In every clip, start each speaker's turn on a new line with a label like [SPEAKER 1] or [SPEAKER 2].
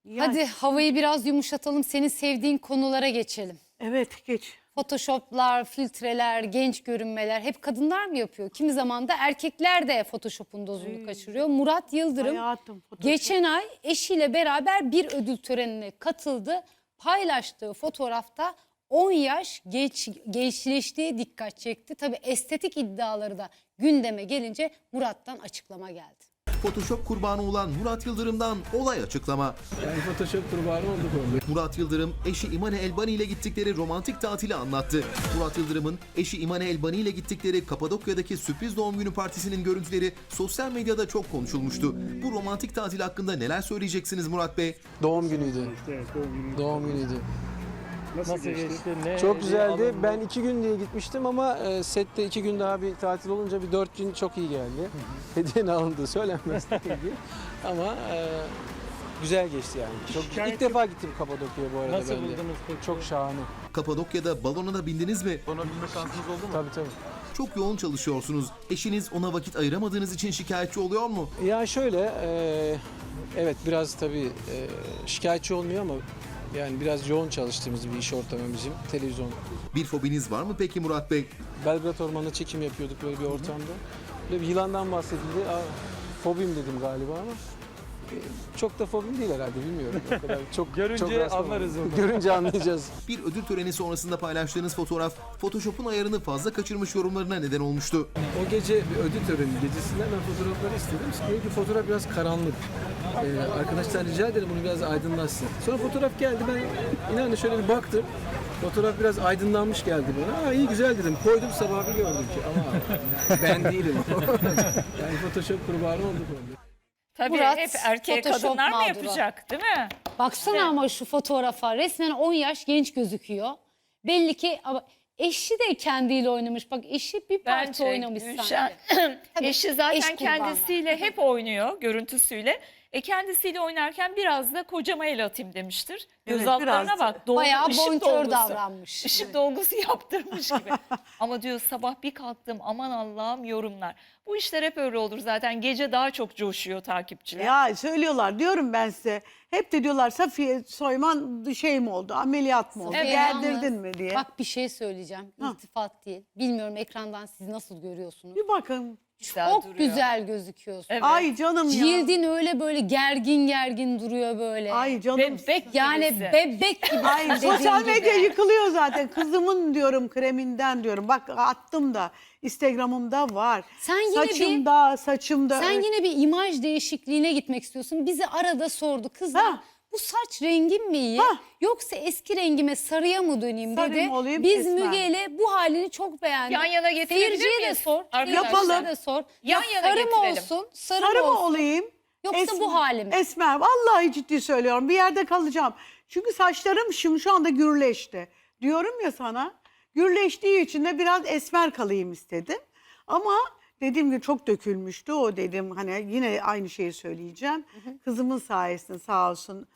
[SPEAKER 1] Hadi havayı biraz yumuşatalım. Senin sevdiğin konulara geçelim.
[SPEAKER 2] Evet, geç.
[SPEAKER 1] Photoshop'lar, filtreler, genç görünmeler hep kadınlar mı yapıyor? Kimi zaman da erkekler de Photoshop'un dozunu kaçırıyor. Murat Yıldırım
[SPEAKER 2] Hayatım, Photoshop.
[SPEAKER 1] geçen ay eşiyle beraber bir ödül törenine katıldı. Paylaştığı fotoğrafta 10 yaş gençleştiği dikkat çekti. Tabii estetik iddiaları da gündeme gelince Murat'tan açıklama geldi.
[SPEAKER 3] Photoshop kurbanı olan Murat Yıldırım'dan olay açıklama.
[SPEAKER 4] Yani Photoshop kurbanı olduk orada.
[SPEAKER 3] Murat Yıldırım eşi İmane Elbani ile gittikleri romantik tatili anlattı. Murat Yıldırım'ın eşi İmane Elbani ile gittikleri Kapadokya'daki sürpriz doğum günü partisinin görüntüleri sosyal medyada çok konuşulmuştu. Bu romantik tatil hakkında neler söyleyeceksiniz Murat Bey?
[SPEAKER 4] Doğum günüydü.
[SPEAKER 5] Evet,
[SPEAKER 4] Doğum günüydü.
[SPEAKER 5] Nasıl geçti? Ne,
[SPEAKER 4] Çok güzeldi.
[SPEAKER 5] alındı?
[SPEAKER 4] Ben 2 gün diye gitmiştim ama sette 2 gün daha bir tatil olunca bir 4 gün çok iyi geldi. Hediyenin alındığı söylenmez tabii ki. Ama güzel geçti yani. Çok, ilk defa gittim Kapadokya'ya bu arada
[SPEAKER 5] Nasıl
[SPEAKER 4] ben de.
[SPEAKER 5] buldunuz peki?
[SPEAKER 4] Çok şahane.
[SPEAKER 3] Kapadokya'da balona da bindiniz mi?
[SPEAKER 4] Ona binme şansınız oldu mu? Tabii tabii.
[SPEAKER 3] Çok yoğun çalışıyorsunuz. Eşiniz ona vakit ayıramadığınız için şikayetçi oluyor mu?
[SPEAKER 4] Ya şöyle, evet biraz tabii şikayetçi olmuyor ama yani biraz yoğun çalıştığımız bir iş ortamı bizim, televizyon.
[SPEAKER 3] Bir fobiniz var mı peki Murat Bey?
[SPEAKER 4] Belgrad Ormanı'nda çekim yapıyorduk böyle bir ortamda. Böyle bir yılandan bahsedildi. Fobim dedim galiba ama çok da fobim değil herhalde, bilmiyorum. O kadar çok
[SPEAKER 5] Görünce
[SPEAKER 4] çok rastlamadım.
[SPEAKER 5] anlarız onu.
[SPEAKER 4] Görünce anlayacağız.
[SPEAKER 3] Bir ödül töreni sonrasında paylaştığınız fotoğraf Photoshop'un ayarını fazla kaçırmış yorumlarına neden olmuştu.
[SPEAKER 4] O gece bir ödül töreni gecesinde ben fotoğrafları istedim. Dedi ki fotoğraf biraz karanlık. Arkadaşlar rica ederim bunu biraz aydınlatsın. Sonra fotoğraf geldi, ben inanın şöyle bir baktım. Fotoğraf biraz aydınlanmış geldi bana. İyi güzel dedim. Koydum, sabah bir gördüm ki ama ben değilim. Yani Photoshop kurbanı olduk orada.
[SPEAKER 6] Tabii
[SPEAKER 1] Murat,
[SPEAKER 6] hep erkeğe
[SPEAKER 1] Photoshop
[SPEAKER 6] kadınlar mı
[SPEAKER 1] mağduru.
[SPEAKER 6] yapacak, değil mi?
[SPEAKER 1] Baksana ama şu fotoğrafa resmen 10 yaş genç gözüküyor. Belli ki ama eşi de kendiyle oynamış. Bak eşi bir parça
[SPEAKER 6] Bence
[SPEAKER 1] oynamış
[SPEAKER 6] Gülşen,
[SPEAKER 1] sanki.
[SPEAKER 6] eşi zaten
[SPEAKER 1] eş kurbanı.
[SPEAKER 6] kendisiyle hep oynuyor, görüntüsüyle. Kendisiyle oynarken biraz da kocama el atayım demiştir.
[SPEAKER 2] Evet,
[SPEAKER 6] Göz altlarına
[SPEAKER 2] biraz.
[SPEAKER 6] bak.
[SPEAKER 1] Bayağı
[SPEAKER 6] ışık
[SPEAKER 1] bonkör
[SPEAKER 6] dolgusu.
[SPEAKER 1] davranmış.
[SPEAKER 6] Işık dolgusu yaptırmış gibi. Ama diyor sabah bir kalktım, aman Allah'ım yorumlar. Bu işler hep öyle olur zaten. Gece daha çok coşuyor takipçiler.
[SPEAKER 2] Ya söylüyorlar, diyorum ben size. Hep de diyorlar Safiye Soyman şey mi oldu, ameliyat mı oldu,
[SPEAKER 1] Evet,
[SPEAKER 2] gerdirdin
[SPEAKER 1] yalnız
[SPEAKER 2] mi diye.
[SPEAKER 1] Bak bir şey söyleyeceğim. İltifat değil. Bilmiyorum ekrandan siz nasıl görüyorsunuz.
[SPEAKER 2] Bir bakın.
[SPEAKER 6] Güzel
[SPEAKER 1] Çok
[SPEAKER 6] duruyor.
[SPEAKER 1] güzel gözüküyorsun.
[SPEAKER 6] Evet.
[SPEAKER 2] Ay canım ya.
[SPEAKER 1] Cildin öyle böyle gergin gergin duruyor böyle.
[SPEAKER 2] Ay canım.
[SPEAKER 6] Bebek
[SPEAKER 1] Yani
[SPEAKER 6] gibisin.
[SPEAKER 1] bebek gibi.
[SPEAKER 2] Ay sosyal medya yıkılıyor zaten. Kızımın diyorum kreminden diyorum. Bak attım da Instagram'ımda var.
[SPEAKER 1] Sen yine
[SPEAKER 2] Saçımda.
[SPEAKER 1] Sen yine bir imaj değişikliğine gitmek istiyorsun. Bizi arada sordu. Kızlar
[SPEAKER 2] Ha.
[SPEAKER 1] bu saç rengim mi iyi?
[SPEAKER 2] Ha.
[SPEAKER 1] Yoksa eski rengime sarıya mı döneyim
[SPEAKER 2] Sarı
[SPEAKER 1] dedi.
[SPEAKER 2] mı olayım,
[SPEAKER 1] Biz
[SPEAKER 2] esmer
[SPEAKER 1] Müge ile bu halini çok beğendik.
[SPEAKER 6] Yan yana getirebilir
[SPEAKER 1] Seyirciye de
[SPEAKER 6] miyiz?
[SPEAKER 1] sor.
[SPEAKER 6] Arkadaşlar.
[SPEAKER 2] Yapalım.
[SPEAKER 1] De sor.
[SPEAKER 6] Yan
[SPEAKER 1] Ya
[SPEAKER 6] yana
[SPEAKER 1] sarı mı
[SPEAKER 6] getirelim.
[SPEAKER 1] olsun? Sarı,
[SPEAKER 2] Sarı
[SPEAKER 1] mı
[SPEAKER 2] mı
[SPEAKER 1] olsun?
[SPEAKER 2] olayım?
[SPEAKER 1] Yoksa bu halim.
[SPEAKER 2] Esmer. Vallahi ciddi söylüyorum. Bir yerde kalacağım. Çünkü saçlarım şimdi şu anda gürleşti. Diyorum ya sana. Gürleştiği için de biraz esmer kalayım istedim. Ama dediğim gibi çok dökülmüştü. O dedim hani yine aynı şeyi söyleyeceğim. Kızımın sayesinde sağ olsun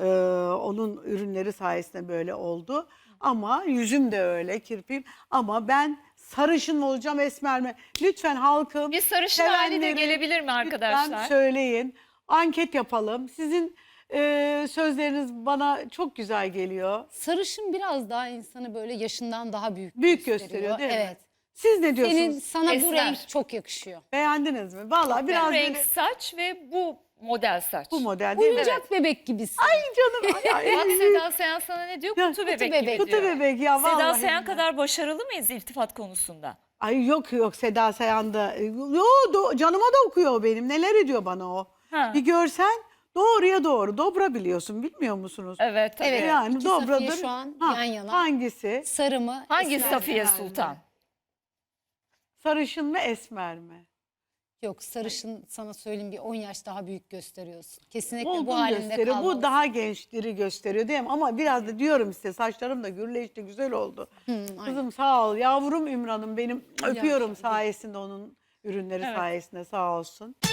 [SPEAKER 2] onun ürünleri sayesinde böyle oldu. Ama yüzüm de öyle, kirpiğim. Ama ben sarışın mı olacağım, esmer mi? Lütfen halkım.
[SPEAKER 6] Bir sarışın hali de
[SPEAKER 2] sevenleri
[SPEAKER 6] gelebilir mi arkadaşlar?
[SPEAKER 2] Lütfen söyleyin. Anket yapalım. Sizin sözleriniz bana çok güzel geliyor.
[SPEAKER 1] Sarışın biraz daha insanı böyle yaşından daha büyük
[SPEAKER 2] Gösteriyor değil mi?
[SPEAKER 1] Evet.
[SPEAKER 2] Siz ne diyorsunuz?
[SPEAKER 1] Sana bu
[SPEAKER 6] Esmer.
[SPEAKER 1] renk çok yakışıyor.
[SPEAKER 2] Beğendiniz mi? Vallahi biraz
[SPEAKER 6] Renk
[SPEAKER 2] böyle
[SPEAKER 6] saç ve bu model saç.
[SPEAKER 2] bu model değil mi?
[SPEAKER 1] Oyuncak bebek gibisin.
[SPEAKER 2] Ay canım. Ay,
[SPEAKER 6] Bak Seda Sayan sana ne diyor?
[SPEAKER 2] Ya,
[SPEAKER 6] Kutu bebek
[SPEAKER 1] bebek.
[SPEAKER 6] gibi
[SPEAKER 2] Kutu
[SPEAKER 6] diyor.
[SPEAKER 2] bebek ya vallahi.
[SPEAKER 6] Seda Sayan kadar başarılı mıyız iltifat konusunda?
[SPEAKER 2] Ay yok Seda Sayan'da. Canıma da okuyor o benim. Neler ediyor bana o.
[SPEAKER 6] Ha.
[SPEAKER 2] Bir görsen doğruya doğru. Dobra biliyorsun bilmiyor musunuz?
[SPEAKER 6] Evet tabii.
[SPEAKER 1] Evet.
[SPEAKER 2] Yani
[SPEAKER 1] İki Safiye
[SPEAKER 2] dobradır.
[SPEAKER 1] şu an
[SPEAKER 2] Ha,
[SPEAKER 1] yan yana.
[SPEAKER 2] Hangisi?
[SPEAKER 1] Sarı mı?
[SPEAKER 6] Hangi
[SPEAKER 1] esmer mi?
[SPEAKER 6] Safiye Sultan?
[SPEAKER 2] Sarışın mı esmer mi?
[SPEAKER 1] Yok sarışın sana söyleyeyim bir 10 yaş daha büyük gösteriyorsun. Kesinlikle bu
[SPEAKER 2] Olgun
[SPEAKER 1] halinde
[SPEAKER 2] gösteriyor.
[SPEAKER 1] kalmalısın.
[SPEAKER 2] Bu daha gençleri gösteriyor değil mi? Ama biraz da diyorum size saçlarım da gürleşti güzel oldu.
[SPEAKER 1] aynen.
[SPEAKER 2] Kızım sağ ol. Yavrum Ümran'ım benim öpüyorum
[SPEAKER 1] canım.
[SPEAKER 2] sayesinde onun ürünleri sayesinde sağ olsun.